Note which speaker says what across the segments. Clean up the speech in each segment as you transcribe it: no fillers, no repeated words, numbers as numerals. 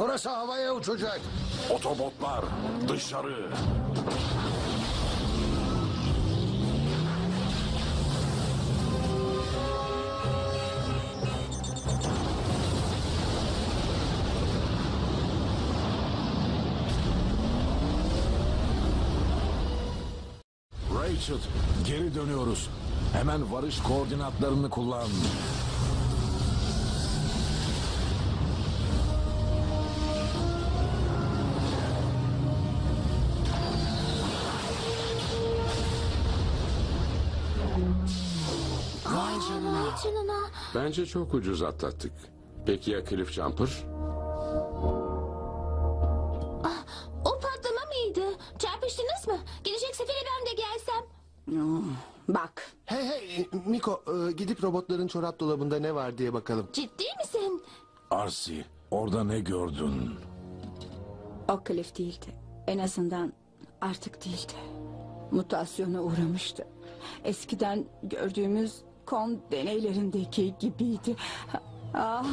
Speaker 1: Burası havaya uçacak.
Speaker 2: Otobotlar dışarı. Rachel, geri dönüyoruz. Hemen varış koordinatlarını kullan.
Speaker 3: Vay canına.
Speaker 4: Bence çok ucuz atlattık. Peki ya Cliff Jumper?
Speaker 3: O patlama mıydı? Çarpıştınız mı? Gelecek sefere ben de gelsem.
Speaker 5: Bak,
Speaker 6: Hey Miko, gidip robotların çorap dolabında ne var diye bakalım.
Speaker 3: Ciddi misin?
Speaker 2: Arsi, orada ne gördün?
Speaker 5: o Cliff değildi. En azından artık değildi. Mutasyona uğramıştı. Eskiden gördüğümüz kon deneylerindeki gibiydi. Ah.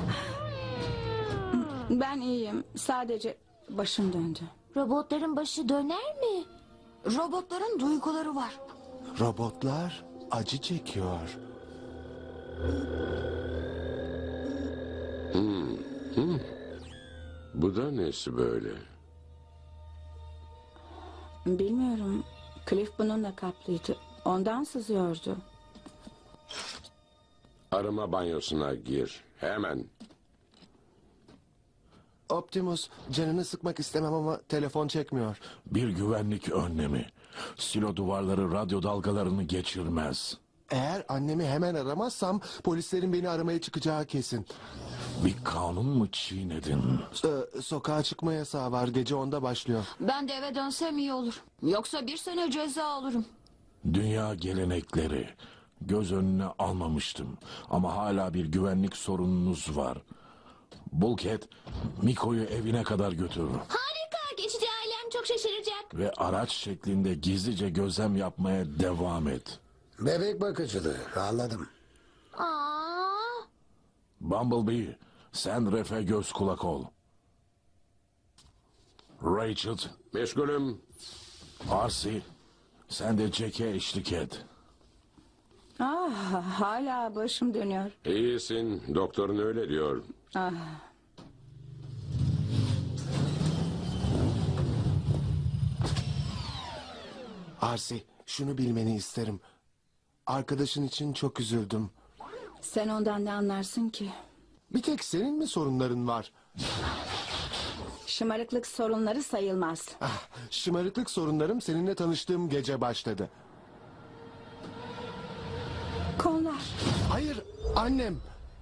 Speaker 5: Ben iyiyim. Sadece başım döndü.
Speaker 3: Robotların başı döner mi?
Speaker 7: Robotların duyguları var.
Speaker 6: Robotlar acı çekiyor.
Speaker 4: Bu da nesi böyle?
Speaker 5: Bilmiyorum. Cliff bununla kaplıydı. Ondan sızıyordu.
Speaker 4: Arama banyosuna gir. Hemen.
Speaker 6: Optimus, canını sıkmak istemem ama telefon çekmiyor.
Speaker 2: Bir güvenlik önlemi. Silo duvarları radyo dalgalarını geçirmez.
Speaker 6: Eğer annemi hemen aramazsam polislerin beni aramaya çıkacağı kesin.
Speaker 2: Bir kanun mu çiğnedin?
Speaker 6: Sokağa çıkma yasağı var. Gece 10'da başlıyor.
Speaker 7: Ben de eve dönsem iyi olur. Yoksa 1 sene ceza alırım.
Speaker 2: Dünya gelenekleri. Göz önüne almamıştım. Ama hala bir güvenlik sorununuz var. Bulkhead, Miko'yu evine kadar götür.
Speaker 3: Harika. Geçici ailem çok şaşıracak.
Speaker 2: Ve araç şeklinde gizlice gözlem yapmaya devam et.
Speaker 1: Bebek bakıcılığı. Anladım.
Speaker 3: Aa,
Speaker 2: Bumblebee, sen Ref'e göz kulak ol. Rachel,
Speaker 4: Meşgulüm.
Speaker 2: Arsi, sen de Jack'e eşlik et.
Speaker 5: Hala başım dönüyor.
Speaker 4: İyisin. Doktorun öyle diyor.
Speaker 6: Arsi, şunu bilmeni isterim. Arkadaşın için çok üzüldüm.
Speaker 5: Sen ondan ne anlarsın ki?
Speaker 6: Bir tek senin mi sorunların var?
Speaker 5: Şımarıklık sorunları sayılmaz.
Speaker 6: Şımarıklık sorunlarım seninle tanıştığım gece başladı.
Speaker 5: Konular.
Speaker 6: Hayır, annem.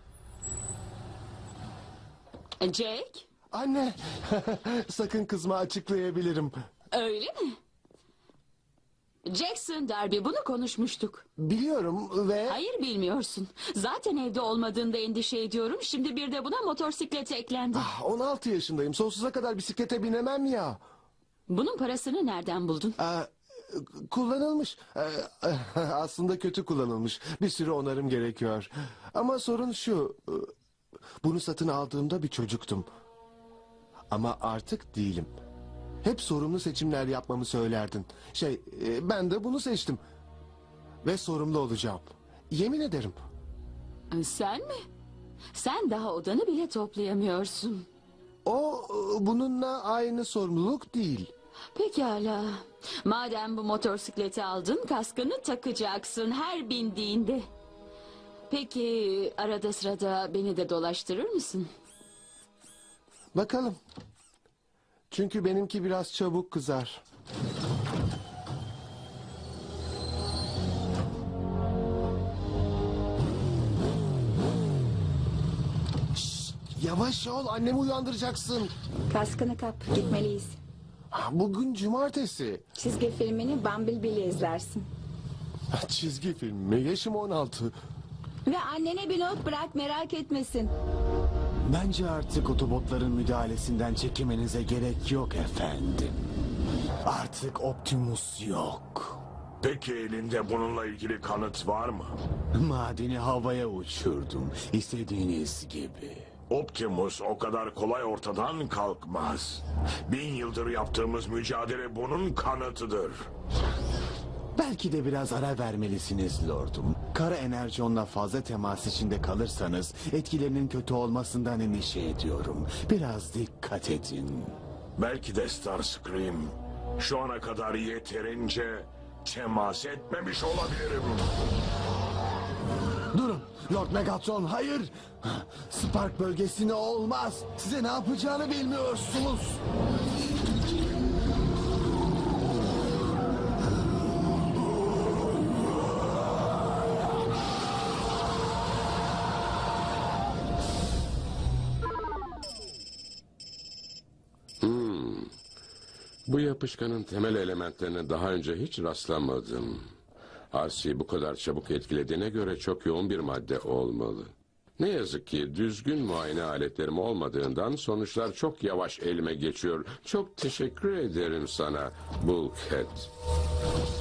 Speaker 7: Jack,
Speaker 6: Anne. Sakın kızma, açıklayabilirim.
Speaker 7: öyle mi? Jackson Darby, bunu konuşmuştuk.
Speaker 6: Biliyorum ve...
Speaker 7: Hayır, bilmiyorsun. Zaten evde olmadığında endişe ediyorum. Şimdi bir de buna motosiklet eklendi.
Speaker 6: 16 yaşındayım. Sonsuza kadar bisiklete binemem ya.
Speaker 7: Bunun parasını nereden buldun?
Speaker 6: Kullanılmış. Aslında kötü kullanılmış. Bir sürü onarım gerekiyor. Ama sorun şu. Bunu satın aldığımda bir çocuktum. Ama artık değilim. Hep sorumlu seçimler yapmamı söylerdin. Ben de bunu seçtim. Ve sorumlu olacağım. Yemin ederim.
Speaker 7: Sen mi? Sen daha odanı bile toplayamıyorsun.
Speaker 6: O bununla aynı sorumluluk değil.
Speaker 7: Pekala. Madem bu motosikleti aldın, kaskını takacaksın her bindiğinde. Peki arada sırada beni de dolaştırır mısın?
Speaker 6: Bakalım. Çünkü benimki biraz çabuk kızar. Şşt, yavaş ol, annemi uyandıracaksın.
Speaker 5: Kaskını kap, gitmeliyiz.
Speaker 6: Bugün cumartesi.
Speaker 5: Çizgi filmini Bumblebee'yle izlersin.
Speaker 6: Çizgi film mi? Yaşım 16.
Speaker 5: Ve annene bir not bırak, merak etmesin.
Speaker 8: Bence artık otobotların müdahalesinden çekinmenize gerek yok efendim. Artık Optimus yok.
Speaker 2: Peki elinde bununla ilgili kanıt var mı?
Speaker 8: Madeni havaya uçurdum. İstediğiniz gibi.
Speaker 2: Optimus o kadar kolay ortadan kalkmaz. 1000 yıldır yaptığımız mücadele bunun kanıtıdır.
Speaker 8: Belki de biraz ara vermelisiniz lordum. Kara enerjonla fazla temas içinde kalırsanız etkilerinin kötü olmasından endişe ediyorum. Biraz dikkat edin.
Speaker 2: Belki de Starscream şu ana kadar yeterince temas etmemiş olabilirim.
Speaker 8: Durun Lord Megatron, hayır. Spark bölgesine olmaz. Size ne yapacağını bilmiyorsunuz.
Speaker 4: Bu yapışkanın temel elementlerine daha önce hiç rastlamadım. Arsi'yi bu kadar çabuk etkilediğine göre çok yoğun bir madde olmalı. Ne yazık ki düzgün muayene aletlerim olmadığından sonuçlar çok yavaş elime geçiyor. Çok teşekkür ederim sana Bulkhead.